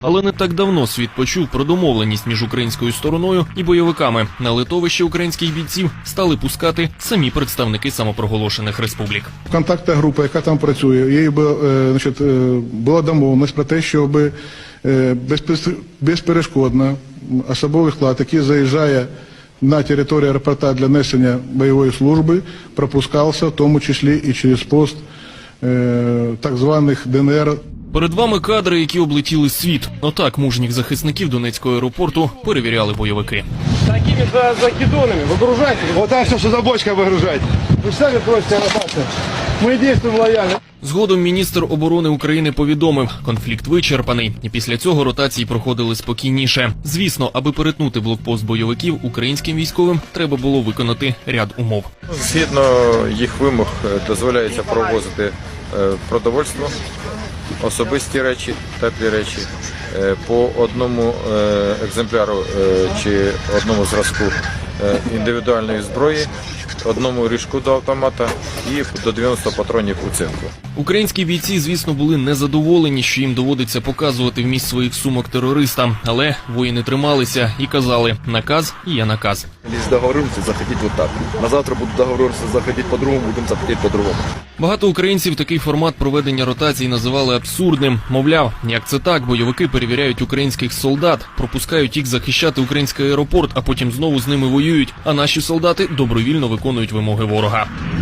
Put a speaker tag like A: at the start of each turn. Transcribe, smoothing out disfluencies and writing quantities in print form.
A: Але не так давно світ почув про домовленість між українською стороною і бойовиками. На литовище українських бійців стали пускати самі представники самопроголошених республік.
B: Контактна група, яка там працює, їй була домовленість про те, щоб безперешкодно особовий склад, який заїжджає на територію аеропорта для несення бойової служби, пропускався, в тому числі і через пост так званих ДНР.
A: Перед вами кадри, які облетіли світ. Отак мужніх захисників Донецького аеропорту перевіряли бойовики.
C: Такими закидонами выгружайте.
D: Вот так все, что за бочкой выгружать.
C: Вы сами просите ротацию. Мы действуем лояльно.
A: Згодом міністр оборони України повідомив, конфлікт вичерпаний, і після цього ротації проходили спокійніше. Звісно, аби перетнути блокпост бойовиків, українським військовим треба було виконати ряд умов.
E: Згідно їх вимог дозволяється провозити продовольство, особисті речі, теплі речі, по одному екземпляру чи одному зразку індивідуальної зброї, одному ріжку до автомата і до 90 патронів у цинку.
A: Українські бійці, звісно, були незадоволені, що їм доводиться показувати вміст своїх сумок терористам. Але воїни трималися і казали: наказ і є наказ.
D: Если договоримся, заходить вот так. На завтра будут договоримся, заходить по-другому, будем заходить по-другому.
A: Багато українців такий формат проведення ротацій називали абсурдним. Мовляв, як це так, бойовики перевіряють українських солдат, пропускають їх захищати український аеропорт, а потім знову з ними воюють, а наші солдати добровільно виконують вимоги ворога.